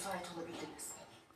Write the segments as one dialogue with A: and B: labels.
A: müsait olabildiniz.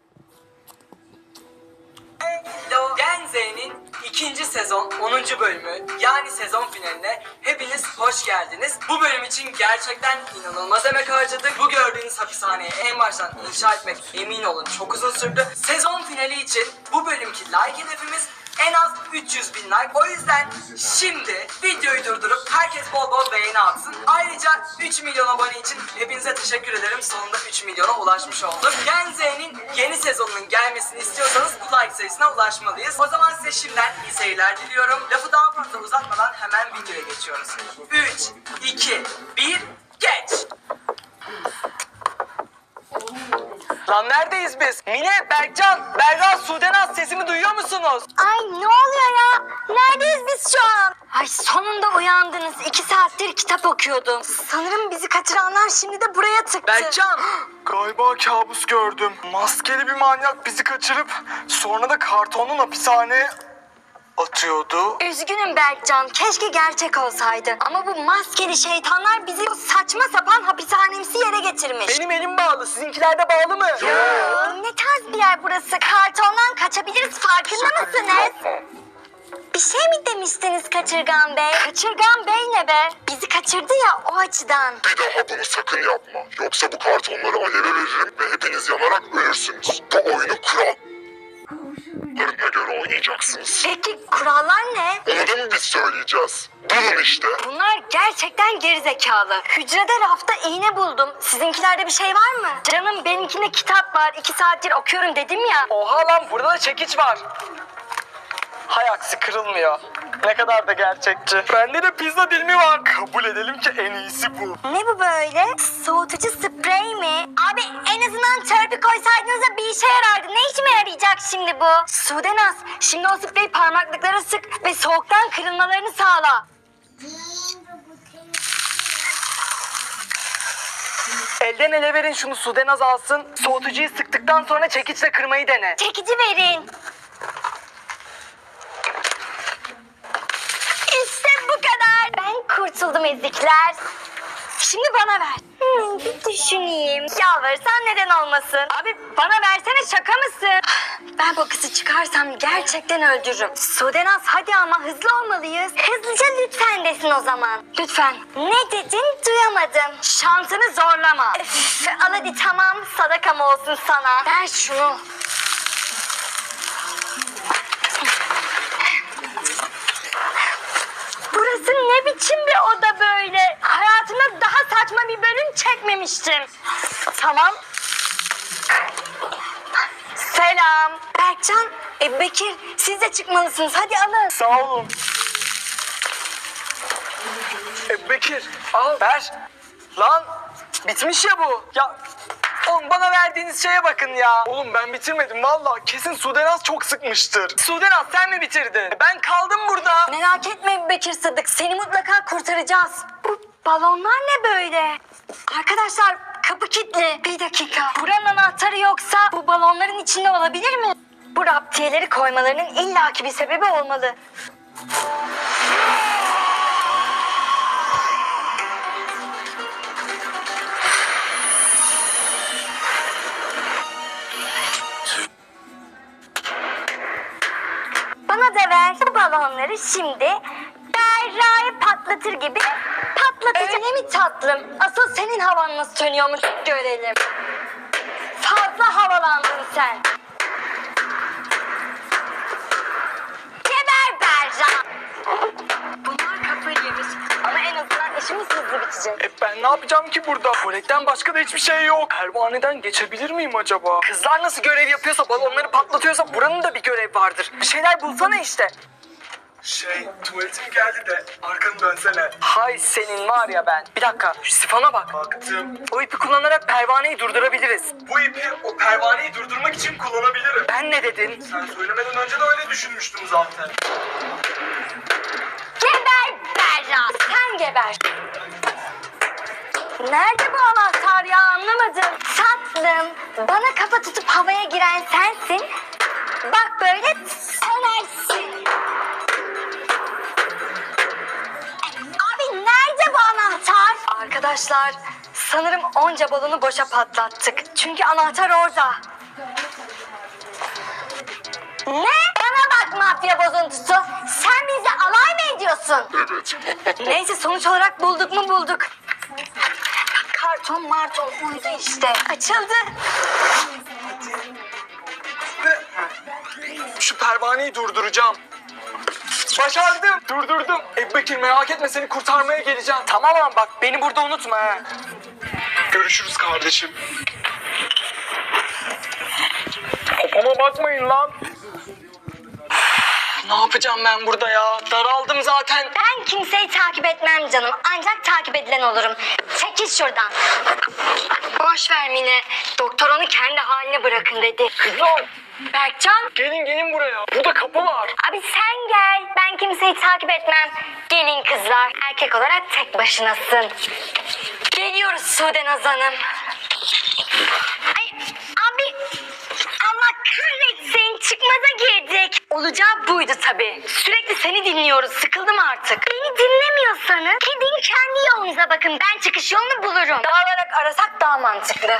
B: Gen Z'nin 2. sezon 10. bölümü yani sezon finaline hepiniz hoş geldiniz. Bu bölüm için gerçekten inanılmaz emek harcadık. Bu gördüğünüz hapishaneyi en baştan inşa etmek emin olun çok uzun sürdü. Sezon finali için bu bölümki like hedefimiz en az 300.000 like. O yüzden şimdi videoyu durdurup herkes bol bol beğeni atsın. Ayrıca 3 milyon abone için hepinize teşekkür ederim. Sonunda 3 milyona ulaşmış olduk. Gen Z'nin yeni sezonunun gelmesini istiyorsanız bu like sayısına ulaşmalıyız. O zaman size şimdiden iyi seyirler diliyorum. Lafı daha fazla uzatmadan hemen videoya geçiyoruz. 3, 2, 1, geç! Lan neredeyiz biz? Mine, Berkcan, Berra, Sudenaz sesimi duyuyor musunuz?
C: Ay ne oluyor ya? Neredeyiz biz şu an? Ay sonunda uyandınız. 2 saattir kitap okuyordum. Sanırım bizi kaçıranlar şimdi de buraya tıktı.
B: Berkcan!
D: Galiba kabus gördüm. Maskeli bir manyak bizi kaçırıp sonra da kartonun hapishaneye atıyordu.
C: Üzgünüm Berkcan. Keşke gerçek olsaydı. Ama bu maskeli şeytanlar bizi o saçma sapan hapishanemsi yere getirmiş.
B: Benim elim bağlı, sizinkiler de bağlı mı?
C: Ne tarz bir yer burası? Kartondan kaçabiliriz, farkında mısınız? Bir şey mi demiştiniz Kaçırgan Bey? Kaçırgan Bey ne be? Bizi kaçırdı ya o açıdan.
E: Bir daha bunu sakın yapma. Yoksa bu kartonları aleve veririm ve hepiniz yanarak ölürsünüz. Bu oyunu kurallarına göre oynayacaksınız.
C: Peki kurallar ne?
E: Onu da mı biz söyleyeceğiz? Bulun işte.
C: Bunlar gerçekten gerizekalı. Hücrede rafta iğne buldum. Sizinkilerde bir şey var mı? Canım benimkinde kitap var. 2 saattir okuyorum dedim ya.
B: Oha lan burada da çekiç var. Hay aksi kırılmıyor. Ne kadar da gerçekçi. Bende de pizza dilimi var.
D: Kabul edelim ki en iyisi bu.
C: Ne bu böyle? Soğutucu sprey mi? Abi en azından törpü koysaydınız da bir işe yarardı. Ne işime yarayacak şimdi bu? Sudenaz, şimdi o spreyi parmaklıklara sık ve soğuktan kırılmalarını sağla.
B: Elden ele verin şunu Sudenaz alsın. Soğutucuyu sıktıktan sonra çekiçle kırmayı dene.
C: Çekici verin. İşte bu kadar. Ben kurtuldum ezikler. Şimdi bana ver. Bir düşüneyim. Yalvarırsan neden olmasın? Abi bana versene, şaka mısın? Ben bu kızı çıkarsam gerçekten öldürürüm. Sudenaz hadi ama hızlı olmalıyız. Hızlıca lütfen desin o zaman. Lütfen. Ne dedin duyamadım. Şansını zorlama. Öf, al hadi tamam, sadakam olsun sana. Ver şunu. Burası ne biçim bir oda böyle? Hayatımda daha saçma bir bölüm çekmemiştim. Tamam. Selam. Berkcan, Bekir siz de çıkmalısınız. Hadi alın.
D: Sağ olun.
B: Bekir al ver. Lan bitmiş ya bu. Ya oğlum bana verdiğiniz şeye bakın ya.
D: Oğlum ben bitirmedim valla. Kesin Sudenaz çok sıkmıştır.
B: Sudenaz sen mi bitirdin? Ben kaldım burada.
C: Merak etme Bekir Sıddık. Seni mutlaka kurtaracağız. Bu balonlar ne böyle? Arkadaşlar kapı kilitli. Bir dakika. Buranın anahtarı yoksa bu balonların içinde olabilir mi? Bu raptiyeleri koymalarının illaki bir sebebi olmalı. Bana da ver bu balonları şimdi. Berra'yı patlatır gibi patlatacağım. Öyle mi tatlım? Asıl senin havan nasıl sönüyormuş görelim. Fazla havalandın sen. Geber Berra. Bunlar kafayı yemiş. Ama en azından işimiz hızlı bitecek.
D: Ben ne yapacağım ki burada? Tuvalekten başka da hiçbir şey yok. Pervaneden geçebilir miyim acaba?
B: Kızlar nasıl görev yapıyorsa balonları patlatıyorsa buranın da bir görev vardır. Bir şeyler bulsana işte.
D: Tuvaletim geldi de arkanı dönsene.
B: Hay senin var ya ben. Bir dakika şu sifona bak.
D: Baktım.
B: O ipi kullanarak pervaneyi durdurabiliriz.
D: Bu ipi o pervaneyi durdurmak için kullanabilirim.
B: Ben ne dedin?
D: Sen söylemeden önce de öyle düşünmüştüm zaten.
C: Geber Berra. Sen geber. Nerede bu anahtar ya, anlamadım. Tatlım, bana kafa tutup havaya giren sensin. Bak böyle sönersin. Abi nerede bu anahtar? Arkadaşlar Sanırım onca balonu boşa patlattık. Çünkü anahtar orada. Ne? Bana bak mafya bozuntusu. Sen bize alay mı ediyorsun?
E: Evet.
C: Neyse sonuç olarak bulduk mu bulduk. Karton marton uydu işte. Açıldı.
D: Şu pervaneyi durduracağım. Başardım. Durdurdum. Ebubekir merak etme, seni kurtarmaya geleceğim. Tamam ama bak beni burada unutma ha. Görüşürüz kardeşim. Kafama bakmayın lan. Ne yapacağım ben burada ya? Daraldım zaten.
C: Ben kimseyi takip etmem canım. Ancak takip edilen olurum. Çekil şuradan. Boş ver Mine. Doktor onu kendi haline bırakın dedi.
D: Kızlar
C: Berkcan.
D: gelin buraya. Burada kapı var.
C: Abi sen gel. Ben kimseyi takip etmem. Gelin kızlar. Erkek olarak tek başınasın. Geliyoruz Sude Naz Hanım. Ay abi. Allah kahretsin. Çıkmaza girdik. Olacağı buydu tabii. Sürekli seni dinliyoruz. Sıkıldım artık. Beni dinlemiyorsanız gidin kendi yolunuza bakın. Ben çıkış yolunu bulurum. Dağılarak arasak daha mantıklı.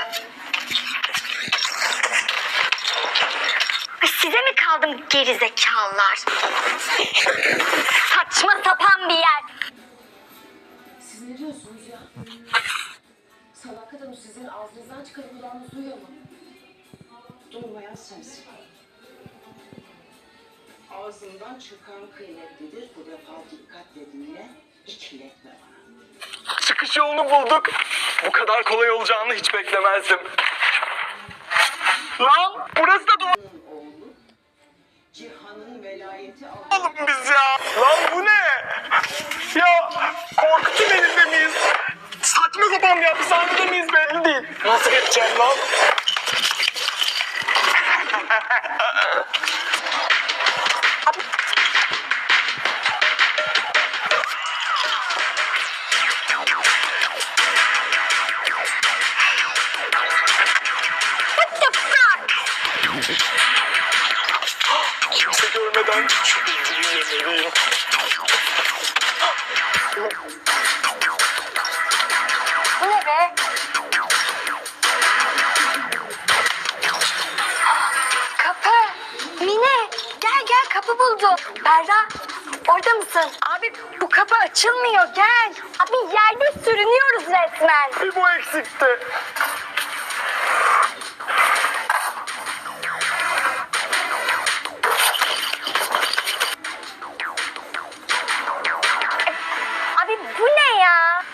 C: Size mi kaldım gerizekalılar? Saçma sapan bir yer.
A: Siz ne diyorsunuz ya? Sadakat Hanım sizin ağzınızdan çıkan kulağınız duyuyor mu? Duymayan sensin. Ağzından çıkan kıymetlidir. Bu defa dikkatle dinle, ikiletme bana.
D: Çıkış yolunu bulduk. Bu kadar kolay olacağını hiç beklemezdim. Lan burası da doğru.
A: Oğlu, Cihan'ın velayeti aldı.
D: Oğlum biz ya. Lan bu ne? Ya korkutun elinde miyiz? Saçma sapan bir hapishanede miyiz belli değil. Nasıl geçeceğim lan?
C: What the fuck?
D: Kimse görmeden şu bilgiyi yemeliyim.
C: Bu ne be? Kapı. Mine gel kapı buldum. Berra orada mısın? Abi bu kapı açılmıyor gel. Abi yerde sürünüyoruz resmen.
D: Bir bu eksikti.
C: Abi bu ne ya?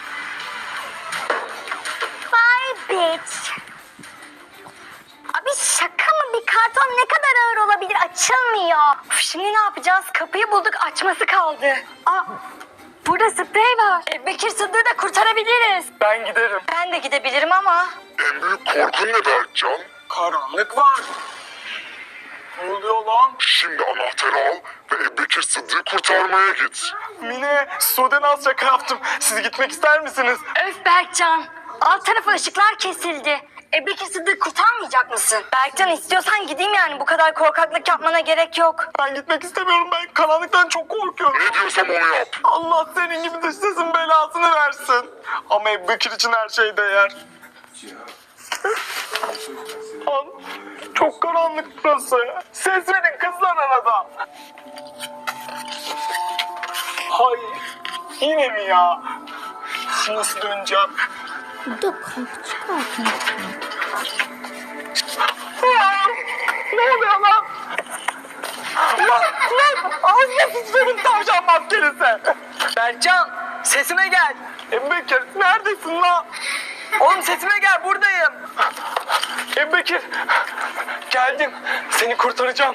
C: Bye bitch. Abi şaka mı? Bir karton ne kadar ağır olabilir? Açılmıyor. Uf, şimdi ne yapacağız? Kapıyı bulduk, açması kaldı. Aa, burada sprey var. Bekir Sıddık'ı da kurtarabiliriz.
D: Ben giderim.
C: Ben de gidebilirim ama.
E: En büyük korkun ne Berkcan?
D: Karanlık var. Ne oluyor lan?
E: Şimdi anahtarı al ve Ebubekir Sıddık'ı kurtarmaya git.
D: Mine, Sude Naz şaka yaptım. Siz gitmek ister misiniz?
C: Öf Berkcan. Alt tarafı ışıklar kesildi. Bekir Sıddık'ı kurtarmayacak mısın? Berkcan istiyorsan gideyim yani. Bu kadar korkaklık yapmana gerek yok.
D: Ben gitmek istemiyorum. Ben karanlıktan çok korkuyorum.
E: Ne diyorsam onu yap.
D: Allah senin gibi dış sesin belasını versin. Ama Ebubekir için her şey değer. Lan, çok karanlık burası. Ses verin kızlar arada. Hayır. Yine mi ya? Nasıl döneceğim? Ne oluyor lan? Lan ağzına sıçrayın tavşan maskelisi. Berkcan sesime gel. Ebubekir neredesin lan? Oğlum sesime gel, buradayım. Ebubekir geldim, seni kurtaracağım.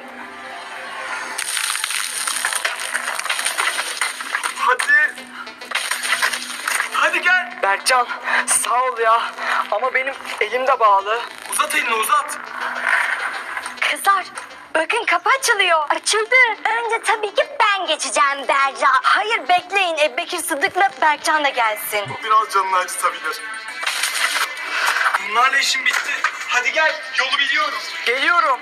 D: Hadi. Hadi gel. Berkcan sağ ol ya ama benim elim de bağlı. Uzat elini uzat.
C: Kızlar bakın kapı açılıyor. Açıldı. Önce tabii ki ben geçeceğim Berra. Hayır bekleyin. Bekir Sıddık'la Berkcan da gelsin.
D: Biraz canını acıtabilir. Bunlarla işim bitti. Hadi gel, yolu biliyorum. Geliyorum.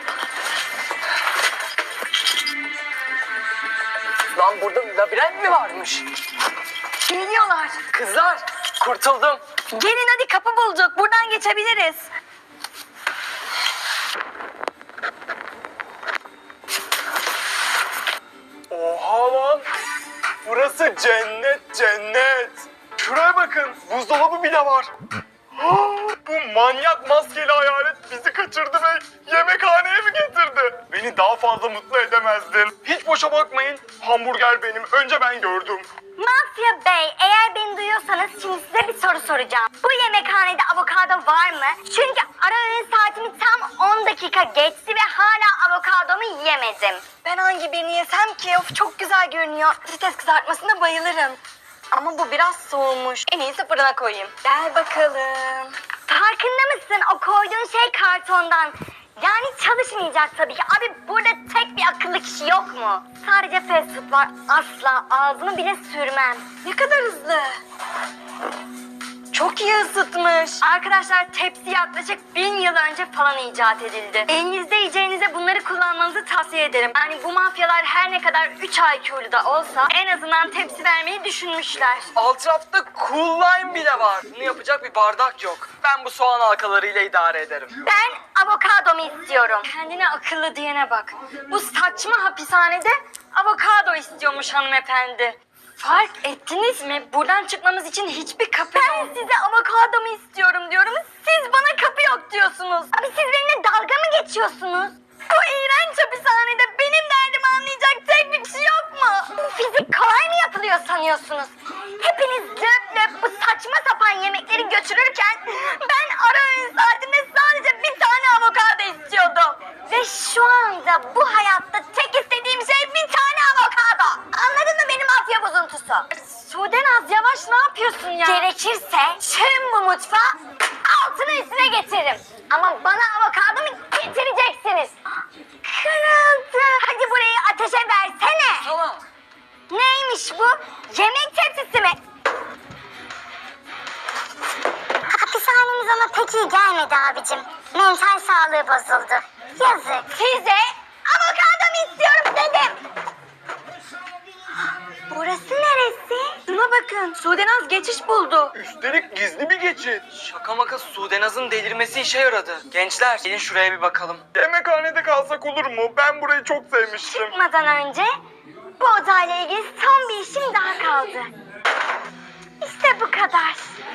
D: Lan burada labirent mi varmış?
C: Geliyorlar.
D: Kızlar, kurtuldum.
C: Gelin hadi, kapı bulduk. Buradan geçebiliriz.
D: Oha lan! Burası cennet cennet! Şuraya bakın, buzdolabı bile var. Bu manyak maskeli hayalet bizi kaçırdı ve yemekhaneye mi getirdi? Beni daha fazla mutlu edemezdin. Hiç boşa bakmayın, hamburger benim. Önce ben gördüm.
C: Mafya Bey, eğer beni duyuyorsanız şimdi size bir soru soracağım. Bu yemekhanede avokado var mı? Çünkü ara öğün saatimi tam 10 dakika geçti ve hala avokadomu yiyemedim. Ben hangi birini yesem ki? Of, çok güzel görünüyor. Patates kızartmasına bayılırım. Ama bu biraz soğumuş. En iyisi fırına koyayım. Gel bakalım. Farkında mısın? O koyduğun şey kartondan. Yani çalışmayacak tabii ki. Abi burada tek bir akıllı kişi yok mu? Sadece fast food var. Asla ağzımı bile sürmem. Ne kadar hızlı. Çok iyi ısıtmış. Arkadaşlar, tepsi yaklaşık 1000 yıl önce falan icat edildi. Elinizde yiyeceğinize bunları kullanmanızı tavsiye ederim. Yani bu mafyalar her ne kadar 3 IQ'lu da olsa en azından tepsi vermeyi düşünmüşler.
B: Alt rafta cool lime bile var. Bunu yapacak bir bardak yok. Ben bu soğan halkalarıyla idare ederim.
C: Ben avokadomu istiyorum. Kendine akıllı diyene bak. Bu saçma hapishanede avokado istiyormuş hanımefendi. Fark ettiniz mi? Buradan çıkmamız için hiçbir kapı yok. Ben size avokadomu istiyorum diyorum. Siz bana kapı yok diyorsunuz. Abi siz benimle dalga mı geçiyorsunuz? Bu iğrenç hapishanede benim derdimi anlayacak tek bir kişi yok mu? Fizik kolay mı yapılıyor sanıyorsunuz? Hepiniz löp löp bu saçma sapan yemekleri götürürken ben ara öğün saatimde sadece bir tane avokado istiyordum. Ve şu anda bu hayatta tek istediğim şey bir tane avokado. Anladın mı benim mafya bozuntusu? Sudenaz, yavaş, ne yapıyorsun ya? Gerekirse tüm bu mutfağı altına üstüne getiririm. Ama bana avokadomu getireceksiniz. Kırıldı. Hadi burayı ateşe versene.
B: Tamam.
C: Neymiş bu? Yemek tepsisi mi? Hapishanemiz ona pek iyi gelmedi abicim. Mental sağlığı bozuldu. Yazık. Size avokadomu istiyorum dedim. Burası neresi? Şuna bakın. Sudenaz geçiş buldu.
D: Üstelik gizli bir geçit.
B: Şaka maka Sudenaz'ın delirmesi işe yaradı. Gençler gelin şuraya bir bakalım.
D: Yemekhanede kalsak olur mu? Ben burayı çok sevmiştim.
C: Çıkmadan önce bu odayla ilgili son bir işim daha kaldı. İşte bu kadar.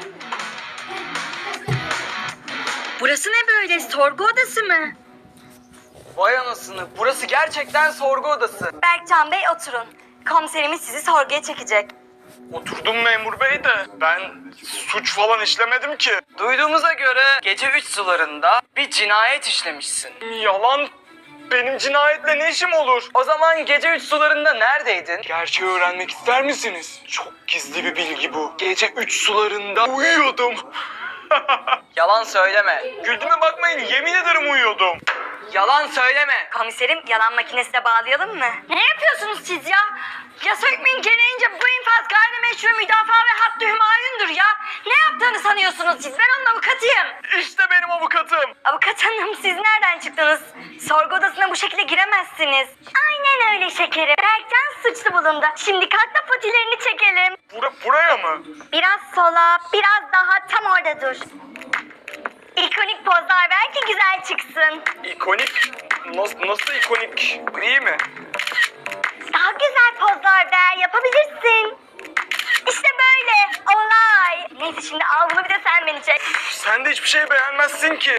C: Burası ne böyle? Sorgu odası mı?
B: Vay anasını, burası gerçekten sorgu odası.
C: Berkcan Bey, oturun. Komiserimiz sizi sorguya çekecek.
D: Oturdum memur bey de ben suç falan işlemedim ki.
B: Duyduğumuza göre gece 3 sularında bir cinayet işlemişsin.
D: Yalan. Benim cinayetle ne işim olur?
B: O zaman gece 3 sularında neredeydin?
D: Gerçeği öğrenmek ister misiniz? Çok gizli bir bilgi bu. Gece 3 sularında uyuyordum.
B: Yalan söyleme.
D: Güldüğüme bakmayın, yemin ederim uyuyordum.
B: Yalan söyleme.
C: Komiserim, yalan makinesine bağlayalım mı? Ne yapıyorsunuz siz ya? Yasa hükmün gereğince bu infaz gayrimeşru müdafaa ve hattı hümayundur ya. Ne yaptığını sanıyorsunuz siz? Ben onun avukatıyım.
D: İşte benim avukatım.
C: Avukat hanım, siz nereden çıktınız? Sorgu odasına bu şekilde giremezsiniz. Aynen öyle şekerim. Berkcan suçlu bulundu. Şimdi kalk da patilerini çekelim.
D: Buraya mı?
C: Biraz sola, biraz daha tam orada dur. İkonik pozlar ver ki güzel çıksın.
D: İkonik? Nasıl ikonik? İyi mi?
C: Daha güzel pozlar ver, yapabilirsin. İşte böyle, olay. Neyse, şimdi al bunu, bir de sen beni çek.
D: Sen de hiçbir şey beğenmezsin ki.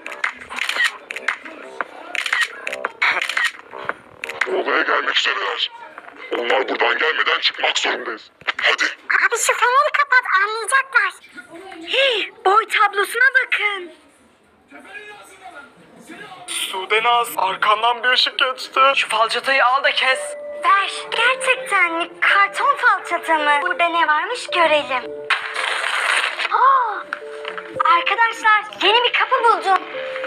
E: Odaya gelmek üzereler. Onlar buradan gelmeden çıkmak zorundayız. Hadi.
C: Abi şu feneri kapat, anlayacaklar. Hey, boy tablosuna bakın.
D: Sudenaz, arkandan bir ışık geçti.
B: Şu falçatayı al da kes.
C: Ver. Gerçekten mi? Karton falçata mı? Burada ne varmış görelim. Aa, arkadaşlar, yeni bir kapı buldum.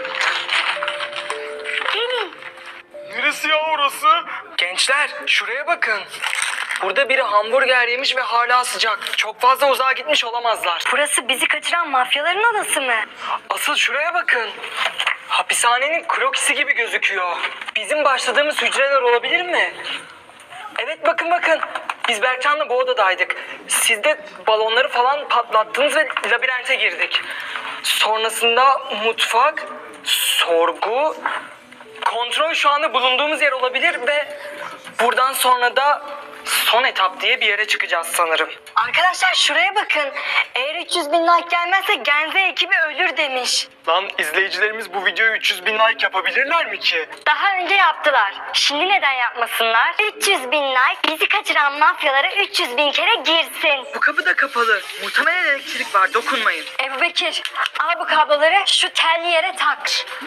C: Gelin.
D: Neresi ya orası?
B: Gençler şuraya bakın. Burada biri hamburger yemiş ve hala sıcak. Çok fazla uzağa gitmiş olamazlar.
C: Burası bizi kaçıran mafyaların odası mı?
B: Asıl şuraya bakın. Hapishanenin krokisi gibi gözüküyor. Bizim başladığımız hücreler olabilir mi? Evet, bakın. Biz Berkcan'la bu odadaydık. Siz de balonları falan patlattınız ve labirent labirente girdik. Sonrasında mutfak, sorgu, kontrol şu anda bulunduğumuz yer olabilir ve buradan sonra da son etap diye bir yere çıkacağız sanırım.
C: Arkadaşlar şuraya bakın. Eğer 300 bin like gelmezse Genze ekibi ölür demiş.
D: Lan izleyicilerimiz bu videoyu 300 bin like yapabilirler mi ki?
C: Daha önce yaptılar. Şimdi neden yapmasınlar? 300 bin like bizi kaçıran mafyalara 300 bin kere girsin.
B: Bu kapı da kapalı. Muhtemelen elektrik var. Dokunmayın.
C: Ebu Bekir, al bu kabloları şu telli yere tak.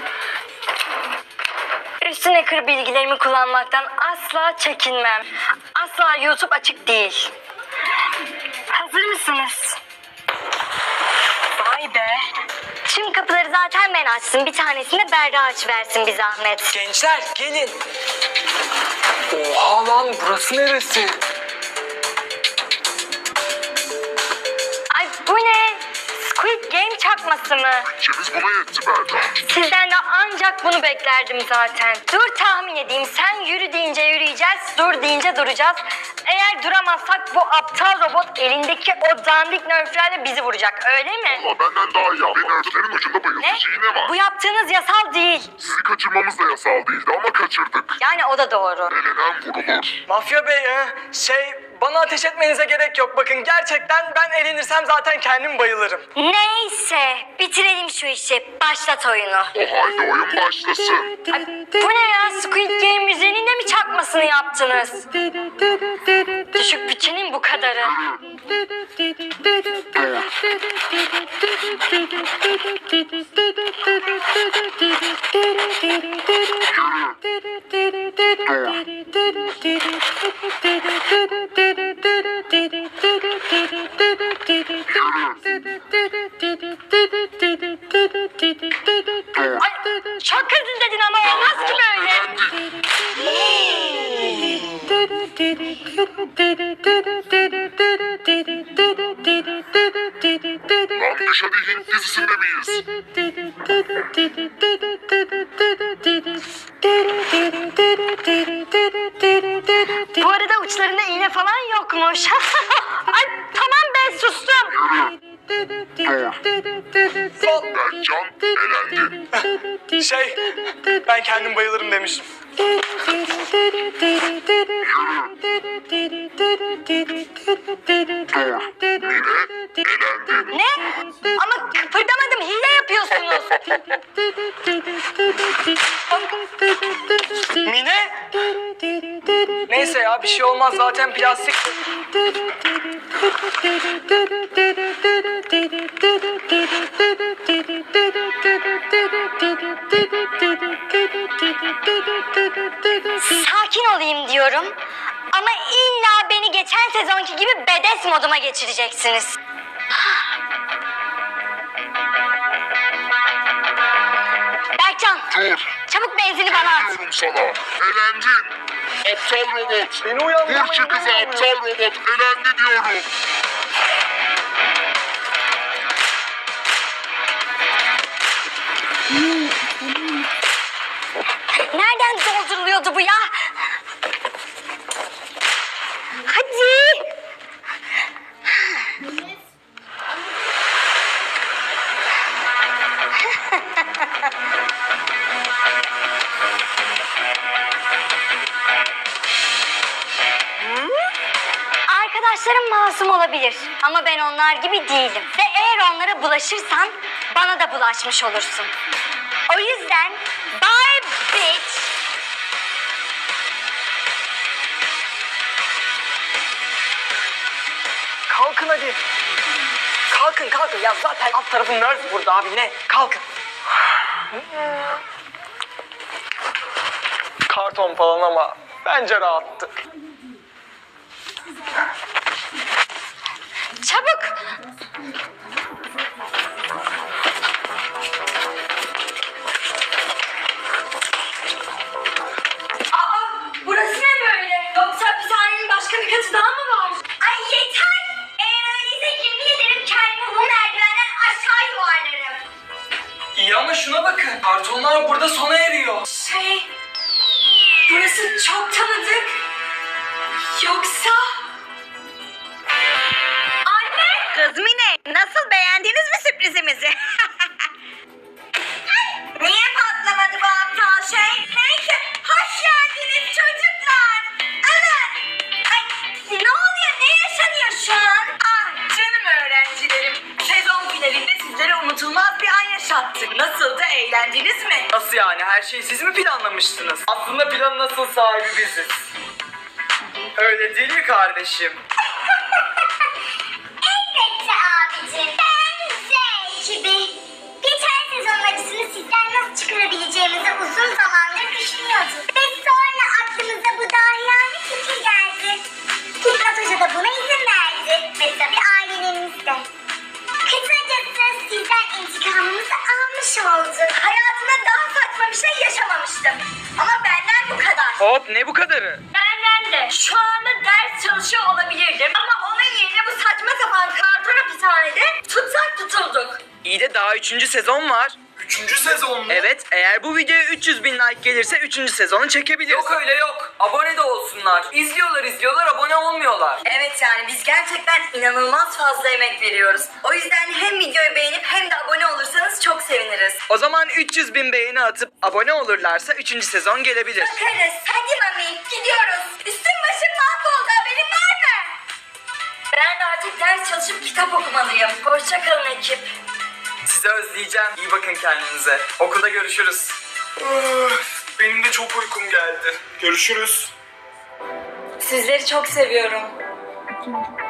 C: Üstüne kır bilgilerimi kullanmaktan asla çekinmem. Asla YouTube açık değil. Hazır mısınız? Vay be. Tüm kapıları zaten ben açtım. Bir tanesini Berra açıversin bir zahmet.
B: Gençler gelin. Oha lan burası neresi?
C: Ay bu ne? Squid Game çakması mı?
E: İçimiz buna yetti Berda.
C: Sizden de ancak bunu beklerdim zaten. Dur tahmin edeyim. Sen yürü deyince yürüyeceğiz, dur deyince duracağız. Eğer duramazsak bu aptal robot elindeki o dandik nörflerle bizi vuracak, öyle mi?
E: Ama benden daha iyi. Benim örtülerin ucunda
C: Ne?
E: bayıltıcı iğne var.
C: Bu yaptığınız yasal değil.
E: Sizi kaçırmamız da yasal değildi ama kaçırdık.
C: Yani o da doğru.
E: Elenen vurulur.
B: Mafya bey bana ateş etmenize gerek yok. Bakın gerçekten ben elenirsem zaten kendim bayılırım.
C: Neyse, bitirelim şu işi. Başlat oyunu.
E: O halde oyun başlasın.
C: Ay, bu ne ya? Squid Game müziğinin de mi çakmasını yaptınız? Düşük bütçenin bu kadarı. Ay, çok hızlı dedin ama olmaz ki böyle.
E: Lan biz hadi Hint dizisinde miyiz?
C: Bu arada uçlarında iğne falan yokmuş. Ay tamam ben sustum.
E: Berkcan elendin.
B: Ben kendim bayılırım demiştim.
E: Elendin.
C: Ne? Ama kıpırdamadım, hile yapıyorsunuz.
B: Mine? Neyse ya bir şey olmaz zaten plastik.
C: Sakin olayım diyorum. Ama illa beni geçen sezonki gibi bedes moduma geçireceksiniz. Berkcan,
E: Dur.
C: çabuk benzini bana at.
E: Diyorum sana. Elendin. Aptal robot.
B: Beni uyandırmayın.
E: Vur şu kızı aptal robot. Elendi diyorum.
C: Nereden dolduruluyordu bu ya? Hadi. Arkadaşlarım masum olabilir ama ben onlar gibi değilim. Ve eğer onlara bulaşırsan bana da bulaşmış olursun. O yüzden bye bitch.
B: Kalkın hadi. Kalkın ya zaten alt tarafı nerf burada abi ne? Kalkın. Karton falan ama bence rahattı.
C: Çabuk. Burası ne böyle? Yoksa hapishanenin başka bir katı daha mı var? Ay yeter! Eğer öyleyse yemin ederim kendimi bu merdivenden aşağı yuvarlarım.
B: İyi ama şuna bakın. Kartonlar burada sona eriyor.
C: Burası çok tanıdık. Yoksa... Anne! Kız Mine, nasıl beğendin Beğendiniz mi sürprizimizi? Niye patlamadı bu aptal şey? Neyse, hoş geldiniz çocuklar. Evet. Ay, ne oluyor? Ne yaşanıyor şu an? Ah canım öğrencilerim. Sezon finalinde sizlere unutulmaz bir an yaşattık. Nasıldı? Eğlendiniz mi?
B: Nasıl yani? Her şeyi siz mi planlamıştınız? Aslında planın nasıl sahibi biziz. Öyle değil mi kardeşim?
F: Elbette abicim. Ben ekibi. Geçen sezon acısını sizden nasıl çıkarabileceğimizi uzun zamandır düşünüyorduk. Ve sonra aklımıza bu dahiyane fikir geldi. Hikmet Hoca da buna izin verdi. Ve tabii ailelerimiz de. Kısacası sizden intikamımızı almış olduk.
C: Hayatımda daha saçma bir şey yaşamamıştım. Ama benden bu kadar.
B: Hop, ne bu kadarı?
C: Benden de. Şu anda ders çalışıyor olabilirdim. Ama onun yerine bu saçma sapan karton hapishanede tutsak tutulduk.
B: İyi de daha 3. sezon var.
D: 3. sezon mu?
B: Evet, eğer bu videoya 300 bin like gelirse 3. sezonu çekebiliriz. Yok öyle yok. Abone de olsunlar. İzliyorlar, abone olmuyorlar.
C: Evet yani biz gerçekten inanılmaz fazla emek veriyoruz. O yüzden hem videoyu beğenip hem de abone olursanız çok seviniriz.
B: O zaman 300 bin beğeni atıp abone olurlarsa 3. sezon gelebilir.
C: Bakarız. Hadi mami gidiyoruz. Üstüm başım mahvoldu, haberin var mı? Ben de artık ders çalışıp kitap okumalıyım. Hoşçakalın ekip.
B: Sizi özleyeceğim. İyi bakın kendinize. Okulda görüşürüz.
D: Benim de çok uykum geldi. Görüşürüz.
C: Sizleri çok seviyorum.